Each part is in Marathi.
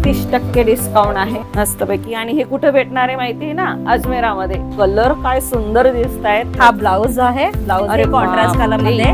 30% डिस्काउंट आहे मस्तपैकी. आणि हे कुठे भेटणार आहे माहिती आहे ना, अजमेरामध्ये. कलर काय सुंदर दिसत आहेत. हा ब्लाउज आहे, ब्लाउज अरे कॉन्ट्रास्ट कलर मध्ये.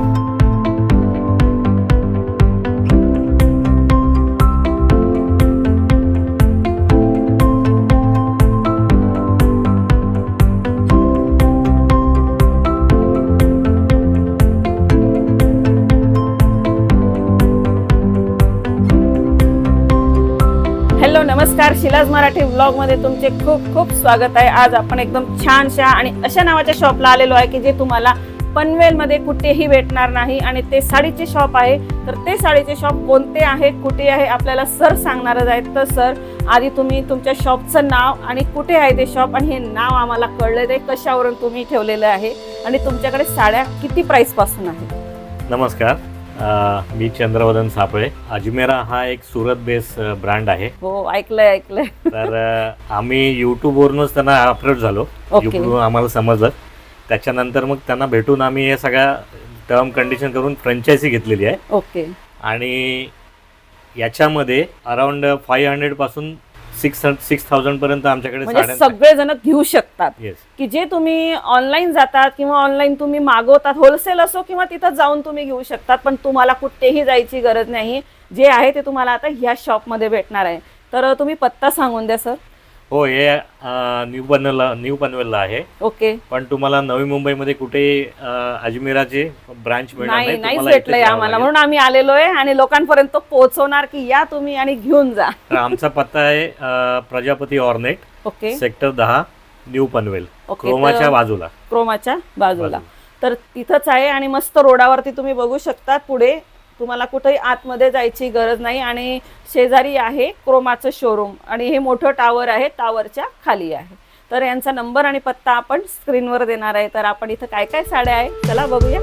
हॅलो नमस्कार, शिलाज मराठी व्लॉग मध्ये तुमचे खूप खूप स्वागत आहे. आज आपण एकदम छानशा आणि अशा नावाच्या शॉपला आलेलो आहे की जे तुम्हाला पनवेलमध्ये कुठेही भेटणार नाही. आणि ते साडीचे शॉप आहे. तर ते साडीचे शॉप कोणते आहे, कुठे आहे, आपल्याला सर सांगणारच आहेत. तर सर, आधी तुम्ही तुमच्या शॉपचं नाव आणि कुठे आहे ते शॉप, आणि हे नाव आम्हाला कळलं ते कशावरून तुम्ही ठेवलेलं आहे, आणि तुमच्याकडे साड्या किती प्राइस पासून आहेत? नमस्कार, मी चंद्रवदन सापळे. अजमेरा हा एक सुरत बेस ब्रँड आहे. हो, ऐकलंय. तर आम्ही यूट्यूबवरूनच त्यांना अप्रोच झालो. ओके. यूट्यूबवरून आम्हाला समजलं. त्याच्यानंतर मग त्यांना भेटून आम्ही हे सगळ्या टर्म कंडिशन करून फ्रँचायझी घेतलेली आहे. ओके. आणि याच्यामध्ये अराउंड 500 पासून 6,000 पर्यंत आमच्याकडे म्हणजे सगळेजण घेऊ शकतात. येस. की जे तुम्ही ऑनलाईन जातात किंवा ऑनलाईन तुम्ही मागवतात, होलसेल असो किंवा तिथं जाऊन तुम्ही घेऊ शकतात. पण तुम्हाला कुठेही जायची गरज नाही. जे आहे ते तुम्हाला आता ह्या शॉपमध्ये भेटणार आहे. तर तुम्ही पत्ता सांगून द्या सर. हो, हे न्यू पनवेलला आहे. ओके. पण तुम्हाला नवी मुंबईमध्ये कुठे अजमेराचे ब्रांच मिळणार नाही, नाही. नाहीच तुम्हाला इथेच भेटलंय यावं आम्हाला, लागेल. म्हणून आम्ही आलेलो आहे आणि लोकांपर्यंत पोहोचवणार की या तुम्ही आणि घेऊन जा. तर आमचा पत्ता आहे Prajapati ornate, okay. Sector 10, new Panvel, okay. क्रोमाच्या बाजूला. क्रोमाच्या बाजूला. तर तिथंच आहे आणि मस्त रोडावरती तुम्ही बघू शकता. पुढे तुम्हाला कुठेही आतमध्ये जायची गरज नाही. आणि शेजारी आहे क्रोमाचं शोरूम, आणि हे मोठं टावर आहे, टावरच्या खाली आहे. तर यांचा नंबर आणि पत्ता आपण स्क्रीनवर देणार आहे. तर आपण इथं काय काय साड्या आहे चला बघूया.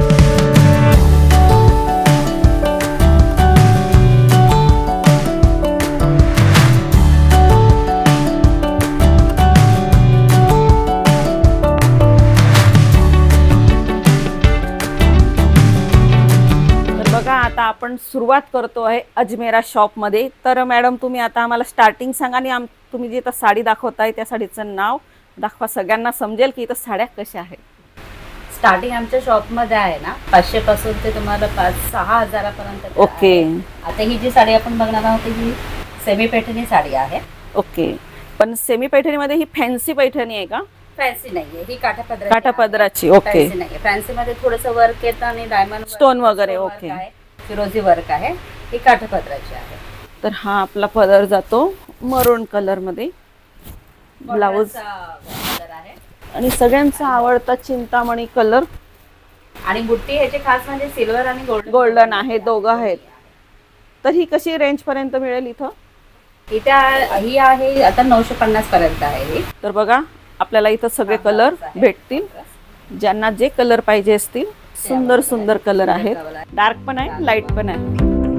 बघा, आता आपण सुरुवात करतो आहे अजमेरा शॉपमध्ये. तर मॅडम, तुम्ही आता आम्हाला स्टार्टिंग सांगा, आणि तुम्ही जी आता साडी दाखवताय त्या साडीचं नाव दाखवा, सगळ्यांना समजेल की इथं साड्या कशा आहेत. स्टार्टिंग आमच्या शॉप मध्ये आहे ना 500 पासून ते तुम्हाला 5-6 हजारापर्यंत. ओके. आता ही जी साडी आपण बघणार आहोत ही सेमी पैठणी साडी आहे. ओके. पण सेमी पैठणीमध्ये ही फॅन्सी पैठणी आहे का? फॅन्सी नाहीये, ही काठापदराची. ओके. फॅन्सी नाहीये. फॅन्सी मध्ये थोडंसं वर्क येतं आणि डायमंड स्टोन वगैरे. ओके. फिरोजी वर्क आहे. ही काठापदराची आहे. तर हा आपला पदर जातो मरून कलर मध्ये. ब्लाऊज कलर आहे आणि सगळ्यांचा आवडता चिंतामणी कलर. आणि बुट्टी ह्याचे खास म्हणजे सिल्वर आणि गोल्डन आहे, दोघं आहेत. तर ही कशी रेंज पर्यंत मिळेल इथं? ही आहे आता 950 पर्यंत आहे ही. तर बघा, आपल्याला इथं सगळे कलर भेटतील, ज्यांना जे कलर पाहिजे असतील. सुंदर सुंदर कलर आहेत. डार्क पण आहे, लाईट पण आहे.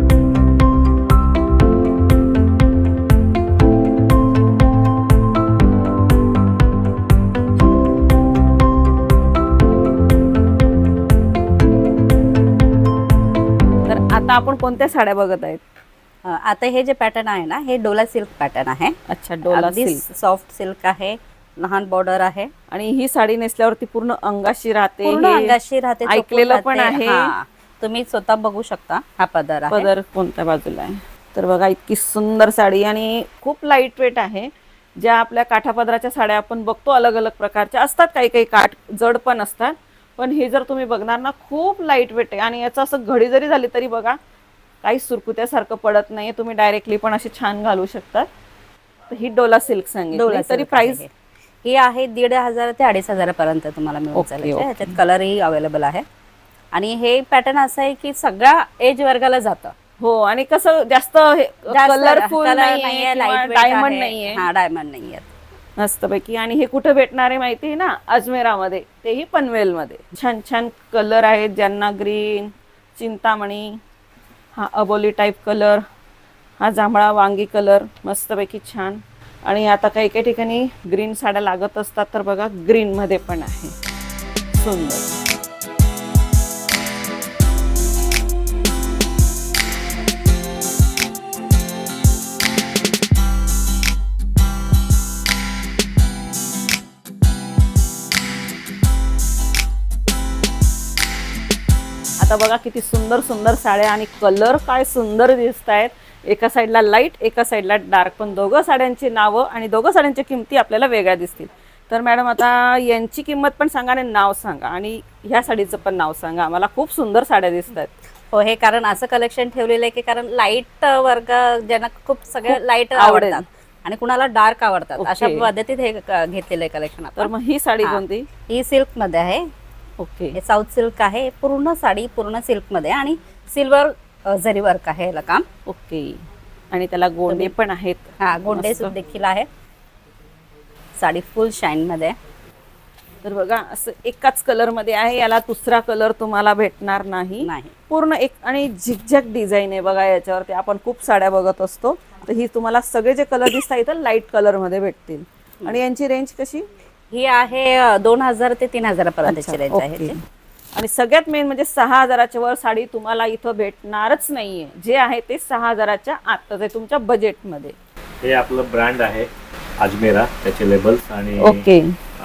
तर आता आपण कोणत्या साड्या बघत आहेत? आता हे जे पॅटर्न आहे ना, हे डोला सिल्क पॅटर्न आहे. अच्छा, डोला सिल्क. सॉफ्ट सिल्क आहे, लहान बॉर्डर आहे. आणि ही साडी नेसल्यावरती पूर्ण अंगाशी राहते. पूर्ण हे अंगाशी राहते, ऐकलेलं पण आहे. तुम्ही स्वतः बघू शकता. हा पदर आहे. पदर कोणत्या बाजूला आहे? तर बघा, इतकी सुंदर साडी आणि खूप लाईट वेट आहे. ज्या आपल्या काठापदराच्या साड्या आपण बघतो अलग अलग प्रकारच्या असतात, काही काही काठ जड पण असतात. पण हे जर तुम्ही बघणार ना, खूप लाईट वेट आहे. आणि याचं असं घडी जरी झाली तरी बघा, काही सुरकुत्यासारखं पडत नाही. तुम्ही डायरेक्टली पण अशी छान घालू शकतात. तर ही डोला सिल्क सांगितली. तरी प्राइस ही आहे 1,500 ते 2,500 पर्यंत तुम्हाला मिळून जाईल. ह्याच्यात कलरही अवेलेबल आहे. आणि हे पॅटर्न असं आहे की सगळ्या एज वर्गाला जातं. हो. आणि कसं जास्त कलरफुल नाहीये, डायमंड नाहीये. हा, डायमंड नाहीये मस्तपैकी. आणि हे कुठे भेटणार आहे माहिती आहे ना, अजमेरामध्ये, तेही पनवेलमध्ये. छान छान कलर आहेत, ज्यांना ग्रीन, चिंतामणी, हा अबोली टाईप कलर, हा जांभळा वांगी कलर, मस्तपैकी छान. आणि आता काही काही ठिकाणी ग्रीन साड्या लागत असतात, तर बघा ग्रीनमध्ये पण आहे. सुंदर. आता बघा किती सुंदर सुंदर साड्या आणि कलर काय सुंदर दिसत आहेत. एका साईडला लाईट, एका साईडला डार्क, पण दोघं साड्यांची नावं आणि दोघं साड्यांच्या किमती आपल्याला वेगळ्या दिसतील. तर मॅडम आता यांची किंमत पण सांगा आणि नाव सांगा आणि ह्या साडीचं पण नाव सांगा. मला खूप सुंदर साड्या दिसत आहेत. हो, हे कारण असं कलेक्शन ठेवलेलं आहे की कारण लाईट वर्ग ज्यांना खूप सगळं लाईट आवडेल. आवडतात आणि कुणाला डार्क आवडतात, ओके. अशा पद्धतीत हे घेतलेलं आहे कलेक्शन. तर मग ही साडी हा. कोणती? ही सिल्क मध्ये आहे. ओके. हे साऊथ सिल्क आहे. पूर्ण साडी पूर्ण सिल्क मध्ये आणि सिल्वर जरी वर्क आहे याला काम. ओके. आणि त्याला गोंडे पण आहेत. हा, गोंडे मस्त. देखील आहे. साडी फुल शाईन मध्ये आहे. तर बघा असं एकाच कलर मध्ये आहे. याला दुसरा कलर तुम्हाला भेटणार नाही. पूर्ण एक आणि झिकझॅक डिझाईन आहे बघा याच्यावरती. आपण खूप साड्या बघत असतो, तर ही तुम्हाला सगळे जे कलर दिसतात इथं लाईट कलर मध्ये भेटतील. आणि यांची रेंज कशी? ही आहे 2000 ते 3000 पर्यंतची रेंज आहे ओके. याची. आणि सगळ्यात मेन म्हणजे 6000च्या वर साडी तुम्हाला इथं भेटणारच नाहीये. जे आहे ते 6000च्या आतच आहे तुमच्या बजेटमध्ये. हे आपलं ब्रँड आहे अजमेरा, त्याचे लेबल्स आणि ओके.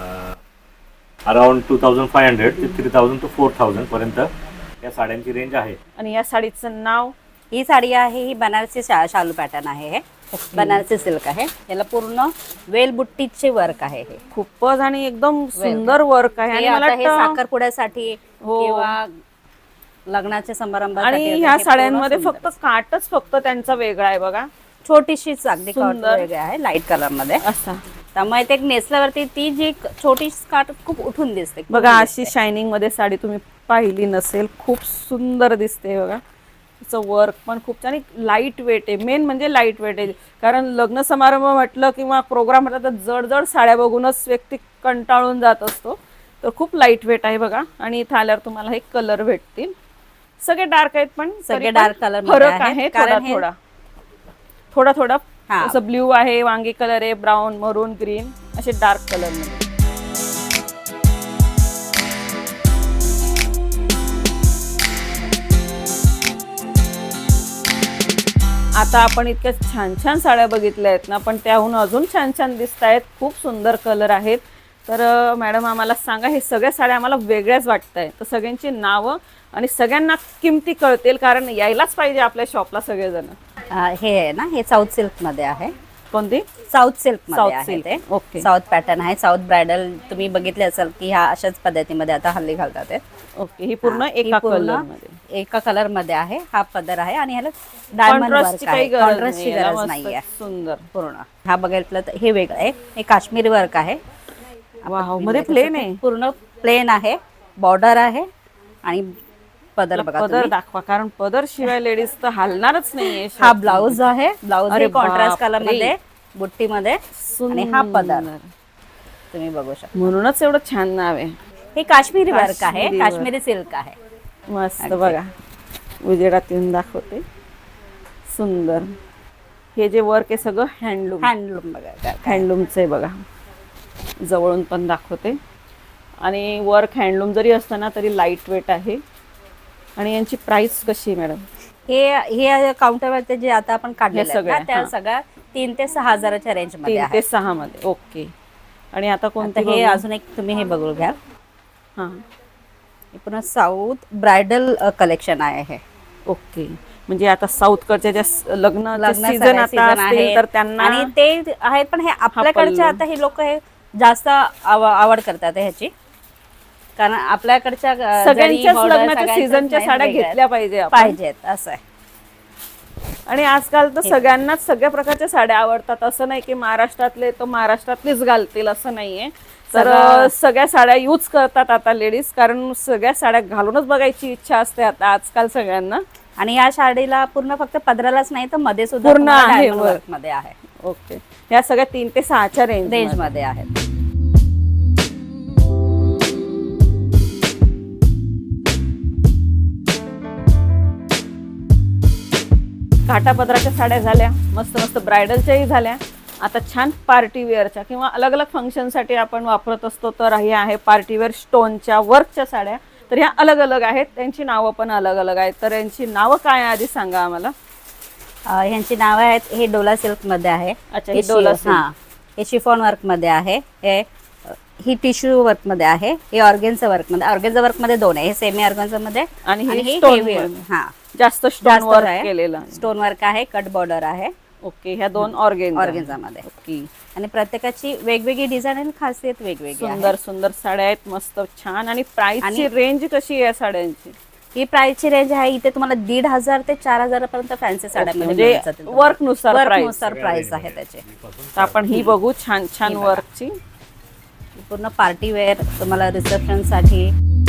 अराउंड 2500 ते 3000 टू 4000 पर्यंत या साड्यांची रेंज आहे. आणि या साडीचं नाव? ही साडी आहे, ही बनारसी शालू पॅटर्न आहे. हे बनारसी सिल्क आहे. याला पूर्ण वेल बुट्टीचे वर्क आहे. हे खूपच आणि एकदम सुंदर वर्क आहे. आणि मला हे वाटतं साखरपुड्यासाठी हो. किंवा लग्नाच्या समारंभात आणि ह्या साड्यांमध्ये फक्त काटच फक्त त्यांचा वेगळा आहे बघा. छोटीशी अगदी काट सुंदर. वेगळी आहे लाईट कलर मध्ये. असा त्यामुळे ते नेसल्यावरती ती जी छोटी काट खूप उठून दिसते. बघा अशी शायनिंग मध्ये साडी तुम्ही पाहिली नसेल, खूप सुंदर दिसते बघा. तिचं वर्क पण खूप छान, लाईट वेट आहे. मेन म्हणजे लाईट वेट आहे. कारण लग्न समारंभ म्हटलं किंवा प्रोग्राम म्हटलं तर जड जड साड्या बघूनच व्यक्ती कंटाळून जात असतो. तर खूप लाईट वेट आहे बघा. आणि इथं आल्यावर तुम्हाला हे कलर भेटतील. सगळे डार्क आहेत पण सगळे डार्क कलर फरक आहे थोडा थोडा थोडा थोडा. हा. असं ब्ल्यू आहे, वांगी कलर आहे, ब्राऊन, मरून, ग्रीन असे डार्क कलर मध्ये. आता आपण इतक्या छान छान साड्या बघितल्या आहेत ना, पण त्याहून अजून छान छान दिसत आहेत. खूप सुंदर कलर आहेत. तर मॅडम आम्हाला सांगा, हे सगळ्या साड्या आम्हाला वेगळ्याच वाटत आहे, तर सगळ्यांची नावं आणि सगळ्यांना किमती कळतील, कारण यायलाच पाहिजे आपल्या शॉपला सगळेजण. हे आहे ना, हे साऊथ सिल्क मध्ये आहे. कोणती? साऊथ सिल्क साऊथ मध्ये आहे सिल्क. ते. ओके. साऊथ पॅटर्न आहे. साऊथ ब्रायडल तुम्ही बघितले असाल की ह्या अशाच पद्धतीमध्ये आता हल्ली घालतात ते. ओके. ही पूर्ण एका कलर मध्ये, एका कलर मध्ये आहे. हा पदर आहे आणि ह्याला डायमंड वर्क आहे. कॉन्ट्रास्टची गरज नाहीये. सुंदर पूर्ण हा बघितलं तर हे वेगळं आहे. हे काश्मीरी वर्क आहे. वाव, मध्ये प्लेन आहे. पूर्ण प्लेन आहे. बॉर्डर आहे आणि पदर बघा पदर तुम्ही. दाखवा, कारण पदर शिवाय लेडीज तर हलणारच नाहीये. हा ब्लाउज आहे. ब्लाउज अरे कॉन्ट्रास्ट बापरे. कलर मध्ये बुट्टी मध्ये आणि हा पदर तुम्ही बघू शकता. म्हणूनच एवढं छान नाव आहे. हे काश्मीरी वर्क आहे. काश्मीरी काश्मीरी सिल्क आहे. मस्त बघा, उजेडात येऊन दाखवते. सुंदर. हे जे वर्क आहे सगळं हँडलूम बघा. हँडलूमचं आहे बघा. जवळून पण दाखवते. आणि वर्क हँडलूम जरी असतं ना तरी लाईट वेट आहे. आणि यांची प्राइस कशी आहे मॅडम? हे काउंटरवरती जे आता आपण काढले सगळ्या, त्या सगळ्या 3 ते 6000च्या रेंज मध्ये 3 आहे. ते 6 मध्ये. ओके. आणि आता कोणते? हे अजून एक तुम्ही हे बघू घ्या. हा. हे पुन्हा साऊथ ब्रायडल कलेक्शन आहे हे. ओके. म्हणजे आता साऊथकडच्या ज्या लग्न सीझन आता सीझन असतील आहे तर त्यांना, आणि ते आहेत, पण हे आपल्याकडचे आता हे लोक हे जास्त आवड करतात ह्याची, कारण आपल्याकडच्या सगळ्यांच्याच लग्नाच्या सीझनच्या साड्या घेतल्या पाहिजेत असं आहे. आणि आजकाल तर सगळ्यांनाच सगळ्या प्रकारच्या साड्या आवडतात. असं नाही की महाराष्ट्रातले तो महाराष्ट्रातलीच घालतील असं नाहीये. तर सगळ्या साड्या यूज करतात आता लेडीज, कारण सगळ्या साड्या घालूनच बघायची इच्छा असते आता आजकाल सगळ्यांना. आणि या साडीला पूर्ण फक्त पदरालाच नाही तर मध्ये सुद्धा पूर्ण आहे वर्क मध्ये आहे. ओके. ह्या सगळ्या 3 ते 6च्या रेंज मध्ये आहेत. काठापदराच्या साड्या झाल्या, मस्त मस्त ब्रायडलच्याही झाल्या. आता छान पार्टी वेअरच्या किंवा अलग अलग फंक्शनसाठी आपण वापरत असतो, तर हे आहे पार्टी वेअर स्टोनच्या वर्कच्या साड्या. तर ह्या अलग अलग आहेत, त्यांची नावं पण अलग अलग आहेत. तर यांची नावं काय आधी सांगा आम्हाला. ह्यांची नावं आहेत. हे डोला सिल्क मध्ये आहे. अच्छा, हे डोला सिल्क. हे शिफॉन वर्क मध्ये आहे. हे ही टिश्यू वर्क मध्ये आहे, हे ऑर्गेन्झा वर्क मध्ये. ऑर्गेन्झा वर्क मध्ये दोन आहे, हे सेमी ऑर्गेन्झा मध्ये आणि हे हे stone heavy- work. हा जास्त स्टोन जास्त वर्क आहे. केलेलं आहे. स्टोन वर्क आहे, कट बॉर्डर आहे ओके, ह्या दोन ऑर्गेन्झा ऑर्गेन्झा मध्ये. ओके. आणि प्रत्येकाची वेगवेगळी डिझाईन आणि खासियत वेगवेगळी आहे. सुंदर सुंदर साड्या आहेत, मस्त छान. आणि प्राइसची आणि- रेंज कशी आहे या साड्यांची? ही प्राइसची रेंज आहे इथे तुम्हाला 1,500 ते 4,000 पर्यंत फॅन्सी साड्यांमध्ये म्हणजे मिळून जातील तुम्हाला. वर्कनुसार वर्क प्राइस. नुसार प्राइस आहे त्याचे. तर आपण ही बघू छान छान ही बघा. वर्कची. पूर्ण पार्टी वेअर तुम्हाला रिसेप्शन साठी.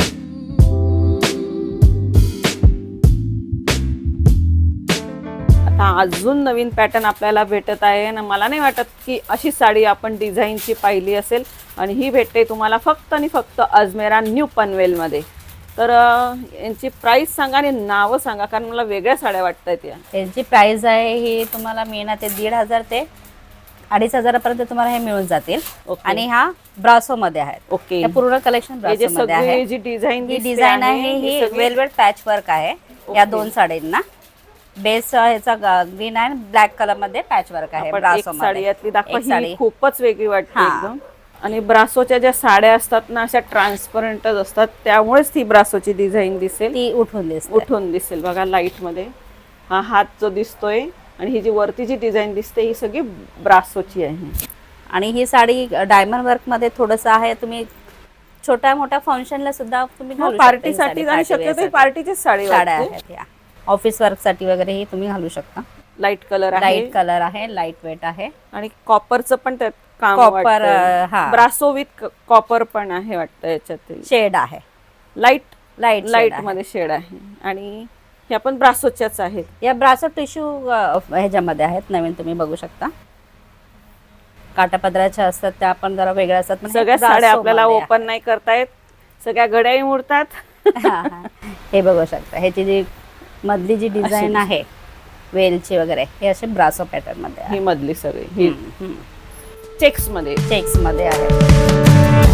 आता अजून नवीन पॅटर्न आपल्याला भेटत आहे आणि मला नाही वाटत की अशी साडी आपण डिझाईनची पाहिली असेल. आणि ही भेटते तुम्हाला फक्त आणि फक्त अजमेरा न्यू पनवेलमध्ये. तर यांची प्राइस सांगा आणि नावं सांगा, कारण मला वेगळ्या साड्या वाटत आहेत या. यांची प्राइस आहे ही तुम्हाला मिळणार ते 1,500 ते 2,500 पर्यंत तुम्हाला हे मिळून जातील. ओके. आणि हा ब्रासो मध्ये आहे. ओके, हे पूर्ण कलेक्शन हे जे ब्रासो मध्ये आहे. सगळी जी डिझाईन ही डिझाईन आहे ही वेलवेट पॅच वर्क आहे या दोन साड्यांना. बेस ह्याचा ग्रीन आणि ब्लॅक कलर मध्ये पॅच वर्क आहे आपण एक ब्रासो साडी मध्ये. यातली दाखवा, एक ही साडी. खूपच वेगळी वाटते हा. एकदम. आणि ब्रासोच्या ज्या साड्या असतात ना अशा ट्रान्सपरंटच असतात, त्यामुळेच ती ब्रासोची डिझाईन दिसेल, ती उठून दिसते. उठून दिसेल. बघा लाईट मध्ये हा हात जो दिसतोय आणि ही जी वरती जी डिझाईन दिसते ही सगळी ब्रासोची आहे. आणि ही साडी डायमंड वर्क मध्ये थोडस आहे. तुम्ही छोट्या मोठ्या फंक्शनला सुद्धा तुम्ही घालू शकता ही पार्टीसाठी साडी. आणि Party wear शक्यतो साठी. पार्टीचीच साडी साड्या वाटते. आहेत या. ऑफिस वर्क साठी वगैरे ही तुम्ही घालू शकता. लाईट कलर आहे लाईट कलर आहे, लाईट वेट आहे. आणि कॉपरचं पण त्यात काम Copper, वाटतंय. हा. ब्रासो विथ कॉपर पण आहे वाटतं याच्यात. शेड आहे, लाईट लाईट लाईट मध्ये शेड आहे. आणि ह्या पण ब्रासोच्याच आहेत. या ब्रासो टिश्यू ह्याच्यामध्ये आहेत नवीन, तुम्ही बघू शकता. काटापदराच्या असतात त्या पण जरा वेगळ्या असतात. पण हे सगळ्या साड्या ब्रासो आपल्याला मध्ये ओपन नाही करतायत, सगळ्या घड्याही मोडतात. आहे. हा, हा. हे बघू शकता. ह्याची जी मधली जी डिझाईन आहे वेलची वगैरे हे असे ब्रासो पॅटर्न मध्ये आहे. ही मधली सगळी ही चेक्स मध्ये. चेक्स मध्ये आहे.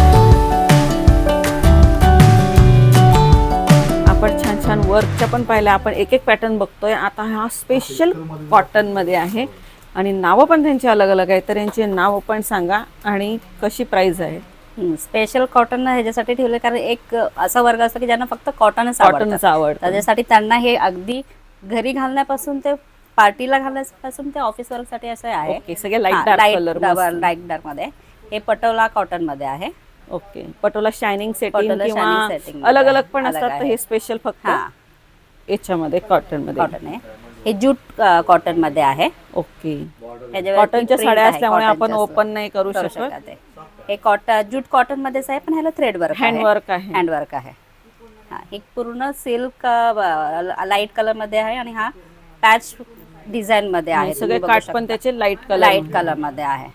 आपण छान छान वर्कच्या पण पाहिल्या. आपण एक एक पॅटर्न बघतोय. आता हा स्पेशल कॉटन मध्ये आहे आणि नावं पण त्यांची अलग अलग आहे. तर यांची नावं पण सांगा आणि कशी प्राइस आहे. स्पेशल कॉटन ह्याच्यासाठी ठेवले कारण एक असा वर्ग असतो की ज्यांना फक्त कॉटनच कॉटनच आवडतं. त्याच्यासाठी त्यांना हे अगदी घरी घालण्यापासून ते पार्टीला घालण्यापासून ते ऑफिस वर्क साठी असं आहे. ओके, सगळे light dark colour. Light dark मध्ये. हे पटोला कॉटन मध्ये आहे. Okay, Patola shining setting Patola किंवा shining setting मध्ये अलग अलग आहे. पण अलग असतात. तर आहे. हे स्पेशल फक्त हा, याच्यामध्ये कॉटन मध्ये. कॉटन आहे. हे जूट कॉटन मध्ये आहे. ओके, ह्याच्यावरती कॉटनच्या print साड्या आहे, असल्यामुळे आपण cottonच्या ओपन नाही करू करू शकत. शकत आहे. हे कॉटन जूट कॉटन मध्येच आहे पण ह्याला थ्रेड वर्क हँडवर्क आहे. हँडवर्क आहे. हा, हे पूर्ण सिल्क लाईट कलर मध्ये आहे आणि हा पॅच डिझाईन मध्ये आहे. सगळे काठ पण त्याचे लाईट कलर. लाईट कलर मध्ये आहे.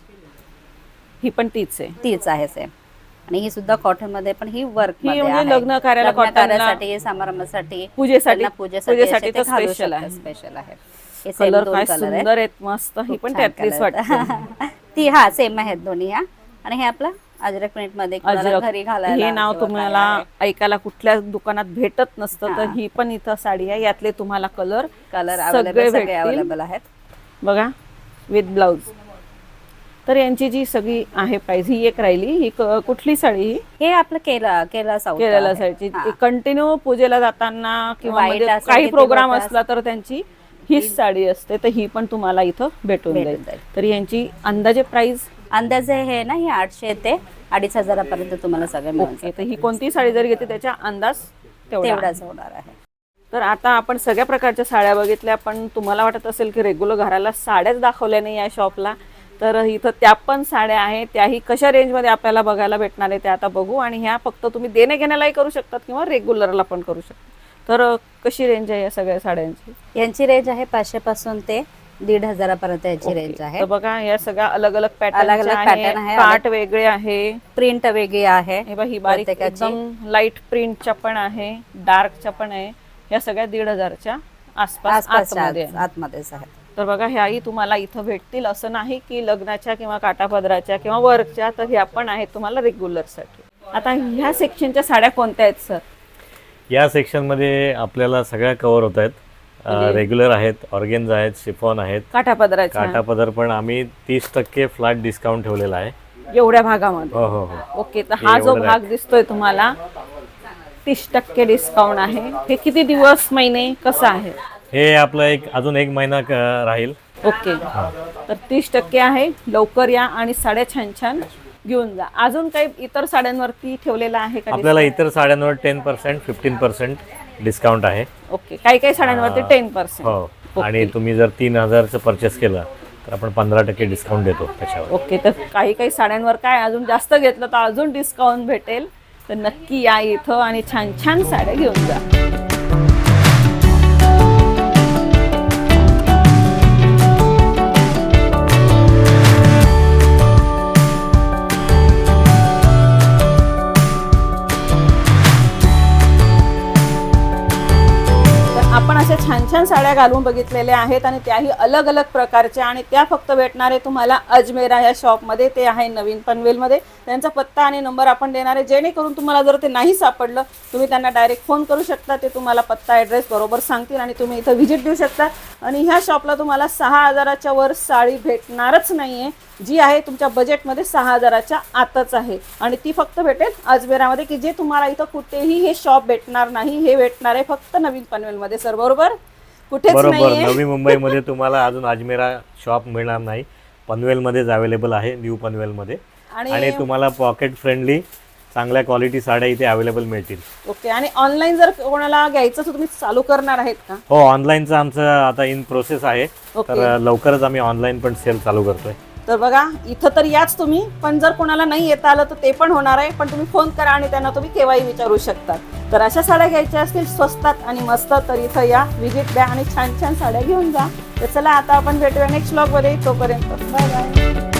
ही पण तीच आहे. तीच आहे सेम. आणि ही सुद्धा कॉटन मध्ये पण ही वर्क ही मध्ये म्हणजे आहे. लग्न कार्याला लग्न cotton ला- कार्यासाठी, समारंभासाठी, पूजेसाठी त्यांना पूजेसाठी पूजेसाठी असे तर ते घालू स्पेशल शकतात. आहे. स्पेशल आहे. हे same कलर दोन काय color आहेत. सुंदर आहेत, मस्त. ही खूप पण छान त्यातलीच color वाटते. आहेत. ती हा सेम आहेत दोन्ही ह्या. आणि हे आपलं अजरक प्रिंट मध्ये कुणाला अजरक. घरी घालायला हे नाव किंवा तुम्हाला काय आहे. ऐकायला कुठल्या दुकानात भेटत नसतं. तर हा. ही पण इथं साडी आहे. यातले तुम्हाला कलर कलर सगळे सगळे भेटतील. अवेलेबल आहेत. बघा विथ ब्लाउज. तर यांची जी सगळी आहे प्राइस, ही एक राहिली. ही कुठली साडी? ही हे आपलं केरला साऊथ केरला साईडची. कंटिन्यू पूजेला जाताना किंवा White म्हणजे असेल काही की ते प्रोग्राम work असला तर त्यांची हीच साडी असते. तर ही पण तुम्हाला इथं भेटून भेटून जाईल. तर यांची अंदाजे प्राइस. अंदाजे हे ना हे 800 ते 2,500 पर्यंत तुम्हाला सगळं मिळून ओके, तर ही कोणती साडी जरी घेते त्याचा अंदाज तेवढा आहे. तेवढाच होणार आहे. तर आता आपण सगळ्या प्रकारच्या साड्या बघितल्या. पण तुम्हाला वाटत असेल की रेग्युलर घराला साड्याच दाखवल्या नाही या शॉपला. तर इथं त्या पण साड्या आहेत. त्याही कशा रेंजमध्ये आपल्याला बघायला भेटणार आहे ते आता बघू. आणि ह्या फक्त तुम्ही देणे घेण्यालाही करू शकतात किंवा रेग्युलरला पण करू शकता. तर कशी रेंज आहे या सगळ्या साड्यांची? यांची रेंज आहे 500 पासून ते 1,500 पर्यंत याची रेंज आहे. तर बघा या सगळ्या अलग अलग पॅटर्न अलग-अलग pattern आहे. काठ वेगळे आहे. प्रिंट वेगळी आहे. हे बघा ही बारीक प्रत्येकाची. एकदम लाईट प्रिंटच्या पण आहे, डार्कच्या पण आहे. या सगळ्या 1,500च्या आसपास आतमध्ये आहे. आतमध्येच आहे. तर बघा ह्याही तुम्हाला इथं भेटतील. असं नाही की लग्नाच्या किंवा काटापदराच्या किंवा वर्कच्या. तर ह्या पण आहेत तुम्हाला रेग्युलरसाठी. आता ह्या सेक्शनच्या साड्या कोणत्या आहेत सर? या सेक्शनमध्ये आपल्याला सगळ्या कव्हर होत आहेत. रेग्युलर आहेत, ऑर्गेन्झा आहेत, शिफॉन आहेत, काठापदराच्या. काठापदर पण आम्ही 30% फ्लॅट डिस्काउंट ठेवलेला आहे. एवढ्या भागामध्ये. हो हो हो. ओके, तर हा जो एवढं भाग दिसतोय तुम्हाला 30% डिस्काउंट आहे. हे किती दिवस महिने कसं आहे? हे आपलं अजून एक महिना राहील. ओके, तर 30% आहे. लवकर या आणि साड्या छान छान घेऊन जा. अजून काही इतर साड्यांवरती ठेवलेला आहे का? आपल्याला इतर साड्यांवर 10% 15% डिस्काउंट आहे. ओके, काही काही साड्यांवरती 10%. हो, आणि तुम्ही जर 3000चं परचेस केलं तर आपण 15% डिस्काउंट देतो त्याच्यावर. ओके, तर काही काही साड्यांवर काय अजून जास्त घेतलं तर अजून डिस्काउंट भेटेल. तर नक्की या इथं आणि छान छान साड्या घेऊन जा. आपण अशा छान छान साड्या घालून बघितलेल्या आहेत आणि त्याही अलग अलग प्रकारच्या, आणि त्या फक्त भेटणारे तुम्हाला अजमेरा ह्या शॉपमध्ये. ते आहे नवीन पनवेलमध्ये. त्यांचा पत्ता आणि नंबर आपण देणार आहे, जेणेकरून तुम्हाला जर ते नाही सापडलं तुम्ही त्यांना डायरेक्ट फोन करू शकता. ते तुम्हाला पत्ता ॲड्रेस बरोबर सांगतील आणि तुम्ही इथं व्हिजिट देऊ शकता. आणि ह्या शॉपला तुम्हाला 6000च्या वर साडी भेटणारच नाही आहे. जी आहे तुमच्या बजेटमध्ये 6000च्या आतच आहे आणि ती फक्त भेटेल अजमेरामध्ये, की जे तुम्हाला इथं कुठेही हे शॉप भेटणार नाही. हे भेटणार आहे फक्त नवीन पनवेलमध्ये. सर बरोबर? कुठेच बरोबर. नाही. नवी मुंबईमध्ये तुम्हाला अजून अजमेरा शॉप मिळणार नाही. पनवेलमध्येच अवेलेबल आहे, न्यू पनवेलमध्ये. आणि तुम्हाला पॉकेट फ्रेंडली चांगल्या क्वालिटी साड्या इथे अवेलेबल मिळतील. ओके, आणि ऑनलाईन जर कोणाला घ्यायचं तर तुम्ही चालू करणार आहेत का? हो, ऑनलाईनचं आमचं आता इन प्रोसेस आहे. तर लवकरच आम्ही ऑनलाईन पण सेल चालू करतोय. तर बघा, इथं तर याच तुम्ही, पण जर कोणाला नाही येता आलं तर ते पण होणार आहे. पण तुम्ही फोन करा आणि त्यांना तुम्ही केव्हाही विचारू शकता. तर अशा साड्या घ्यायच्या असतील स्वस्तात आणि मस्त, तर इथं या, व्हिजिट द्या आणि छान छान साड्या घेऊन जा. तर चला, आता आपण भेटूया नेक्स्ट व्लॉगमध्ये. तोपर्यंत बाय बाय.